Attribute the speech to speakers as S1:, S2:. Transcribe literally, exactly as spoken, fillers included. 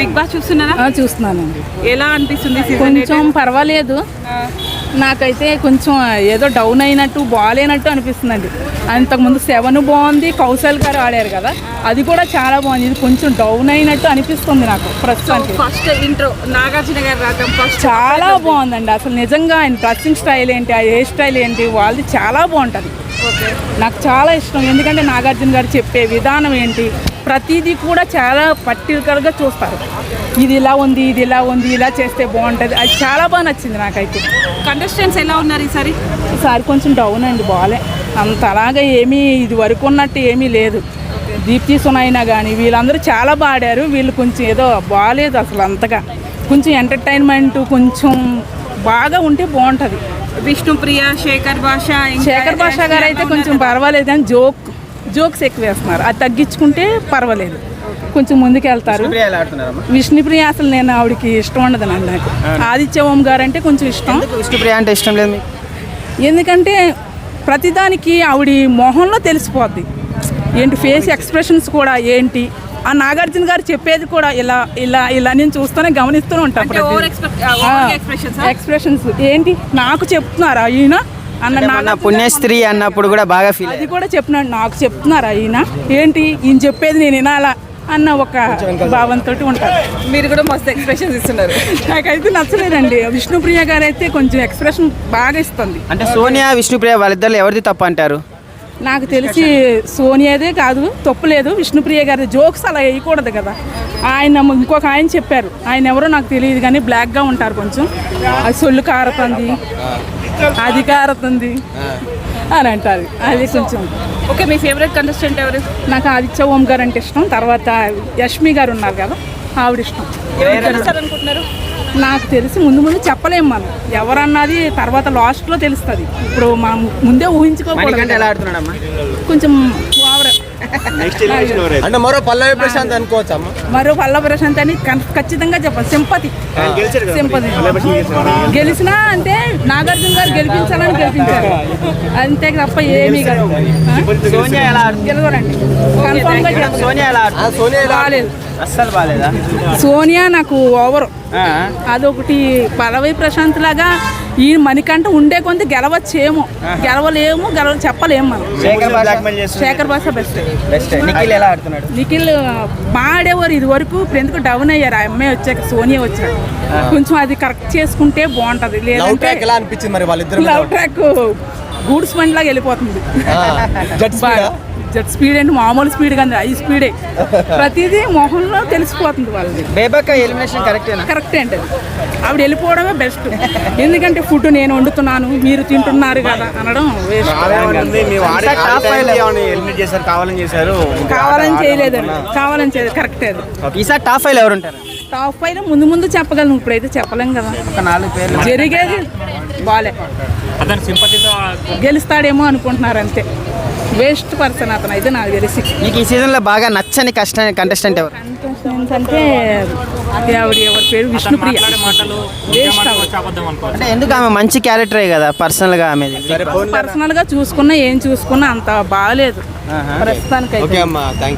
S1: Big boss చూస్తున్నారా?
S2: చూస్తున్నానండి.
S1: ఎలా అనిపిస్తుంది?
S2: కొంచెం పర్వాలేదు, నాకైతే కొంచెం ఏదో డౌన్ అయినట్టు బాగాలేనట్టు అనిపిస్తుందండి. అంతకుముందు సెవెన్ బాగుంది, కౌశల్ గారు ఆడారు కదా, అది కూడా చాలా బాగుంది. ఇది కొంచెం డౌన్ అయినట్టు అనిపిస్తుంది నాకు ప్రస్తుతానికి.
S1: ఫస్ట్ ఇంట్రో నాగార్జున గారు రావడం ఫస్ట్
S2: చాలా బాగుందండి. అసలు నిజంగా ఆయన డ్రెస్సింగ్ స్టైల్ ఏంటి, ఆ హెయిర్ స్టైల్ ఏంటి, వాళ్ళది చాలా బాగుంటుంది. నాకు చాలా ఇష్టం. ఎందుకంటే నాగార్జున గారు చెప్పే విధానం ఏంటి, ప్రతిదీ కూడా చాలా పర్టికులర్గా చూస్తారు. ఇది ఇలా ఉంది, ఇది ఇలా ఉంది, ఇలా చేస్తే బాగుంటుంది. అది చాలా బాగా నచ్చింది నాకైతే.
S1: కంటెస్టెంట్స్ ఎలా ఉన్నారు ఈసారి?
S2: ఈసారి కొంచెం డౌన్ అండి, బాగాలే అంత అలాగా ఏమీ ఇది వరకు ఉన్నట్టు ఏమీ లేదు. దీప్తి సునైనా కానీ వీళ్ళందరూ చాలా బాగా ఆడారు. వీళ్ళు కొంచెం ఏదో బాగాలేదు అసలు అంతగా. కొంచెం ఎంటర్టైన్మెంట్ కొంచెం బాగా ఉంటే బాగుంటుంది.
S1: విష్ణుప్రియ, శేఖర్ భాష
S2: శేఖర్ భాష గారు అయితే కొంచెం పర్వాలేదు, కానీ జోక్ జోక్స్ ఎక్కువ వేస్తున్నారు. అది తగ్గించుకుంటే పర్వాలేదు, కొంచెం ముందుకు వెళ్తారు. విష్ణుప్రియ అసలు నేను ఆవిడకి ఇష్టం ఉండదు నాకు. ఆదిత్య ఓం గారు అంటే కొంచెం ఇష్టం.
S3: విష్ణుప్రియ అంటే ఇష్టం లేదు,
S2: ఎందుకంటే ప్రతిదానికి ఆవిడ మొహంలో తెలిసిపోద్ది ఏంటి, ఫేస్ ఎక్స్ప్రెషన్స్ కూడా ఏంటి. ఆ నాగార్జున గారు చెప్పేది కూడా ఇలా ఇలా ఇలా నేను చూస్తూనే గమనిస్తూనే ఉంటాను. ఎక్స్ప్రెషన్స్ ఏంటి నాకు చెప్తున్నారా ఈయన
S3: అన్న పుణ్యస్త్రీ అన్నప్పుడు కూడా బాగా ఫీల్
S2: అది కూడా చెప్పినాడు. నాకు చెప్తున్నారా ఈయన ఏంటి, ఈయన చెప్పేది నేను వినాలా అన్న ఒక భావంతో ఉంటారు.
S1: మీరు కూడా మస్తు ఎక్స్ప్రెషన్స్ ఇస్తున్నారు.
S2: నాకైతే నచ్చలేదండి. విష్ణుప్రియ గారు అయితే కొంచెం ఎక్స్ప్రెషన్ బాగా ఇస్తుంది.
S3: అంటే సోనియా విష్ణుప్రియ వాళ్ళిద్దరు ఎవరిది తప్పు అంటారు?
S2: నాకు తెలిసి సోనియాదే కాదు, తప్పు లేదు. విష్ణుప్రియ గారి జోక్స్ అలా వేయకూడదు కదా. ఆయన ఇంకొక ఆయన చెప్పారు, ఆయన ఎవరో నాకు తెలియదు కానీ బ్లాక్గా ఉంటారు కొంచెం. అది సొల్లు కారుతుంది, అది కారుతుంది అని అంటారు. అది కొంచెం
S1: ఓకే. మీ ఫేవరెట్ కంటెస్టెంట్ ఎవరు?
S2: నాకు ఆదిత్య ఓం గారు అంటే ఇష్టం. తర్వాత యష్మి గారు ఉన్నారు కదా, ఆవిడ ఇష్టం.
S1: అనుకుంటున్నారు?
S2: నాకు తెలిసి ముందు ముందు చెప్పలేము మనం, ఎవరన్నది తర్వాత లాస్ట్లో తెలుస్తుంది. ఇప్పుడు మనం ముందే ఊహించుకోకూడదు.
S3: ఎలా ఆడుతున్నాడమ్మా?
S2: కొంచెం ఓవర్.
S4: అంటే మరో పల్లవి ప్రశాంత్ అనుకోవచ్చా?
S2: మరో పల్లవి ప్రశాంత్ అని ఖచ్చితంగా చెప్పాలి. సింపతి సింపతి గెలిచినా అంటే నాగార్జున గారు గెలిపించాలని గెలిపించారు, అంతే తప్ప ఏమీ కాదు. గెలవరండి కన్ఫామ్ గా. బాగాలేదు
S3: అస్సలు బాగాలేదా?
S2: సోనియా నాకు ఓవర్. అదొకటి పల్లవి ప్రశాంత్ లాగా ఈ మణికంట ఉండే కొంత గెలవచ్చేమో, గెలవలేము, గెలవ చెప్పలేము మనం. శేఖర్ భాష బెస్ట్.
S3: నిఖిల్ ఎలా ఆడుతున్నాడు?
S2: నిఖిల్ బాగా ఆడేవారు ఇది వరకు, ఇప్పుడు ఎందుకు డౌన్ అయ్యారు ఆ అమ్మాయి వచ్చాక, సోనియా వచ్చాక. కొంచెం అది కరెక్ట్ చేసుకుంటే బాగుంటది. లేదంటే లవ్ ట్రాక్ గూడ్స్ బండి లాగా వెళ్ళిపోతుంది. జెట్ స్పీడ్ అంటే మామూలు స్పీడ్ కాదు, హై స్పీడే. ప్రతిదీ మొహంలో తెలిసిపోతుంది వాళ్ళది.
S3: బేబక్క ఎలిమినేషన్ కరెక్టేనా?
S2: కరెక్టే అంటే ఆవిడ వెళ్ళిపోవడమే బెస్ట్. ఎందుకంటే ఫుడ్ నేను వండుతున్నాను, మీరు తింటున్నారు కదా అనడం వేస్ట్. కావాలని చేయలేదండి, కావాలని చేయలేదు. కరెక్టే అది.
S3: ఈసారి టాప్ ఫైవ్ ఎవరు ఉంటారు?
S2: టాప్ ఫైవ్ ముందు ముందు చెప్పగలను, ఇప్పుడైతే చెప్పలేం కదా.
S3: ఒక నాలుగు పేర్లు
S2: జరిగేది బాలే, గెలుస్తాడేమో అనుకుంటున్నారు అంతే. వేస్ట్ పర్సన్ అతను అయితే నాకు తెలిసి.
S3: మీకు ఈ సీజన్లో బాగా నచ్చని కష్ట కంటెస్టెంట్ ఎవరు?
S2: కంటెస్టెంట్స్ అంటే ఆవిడ ఎవరి పేరు విష్ణుప్రియ.
S3: అంటే ఎందుకు ఆమె మంచి క్యారెక్టరే కదా, పర్సనల్గా ఆమె
S2: పర్సనల్గా చూసుకున్నా ఏం చూసుకున్నా అంత బాగాలేదు ప్రస్తుతానికి.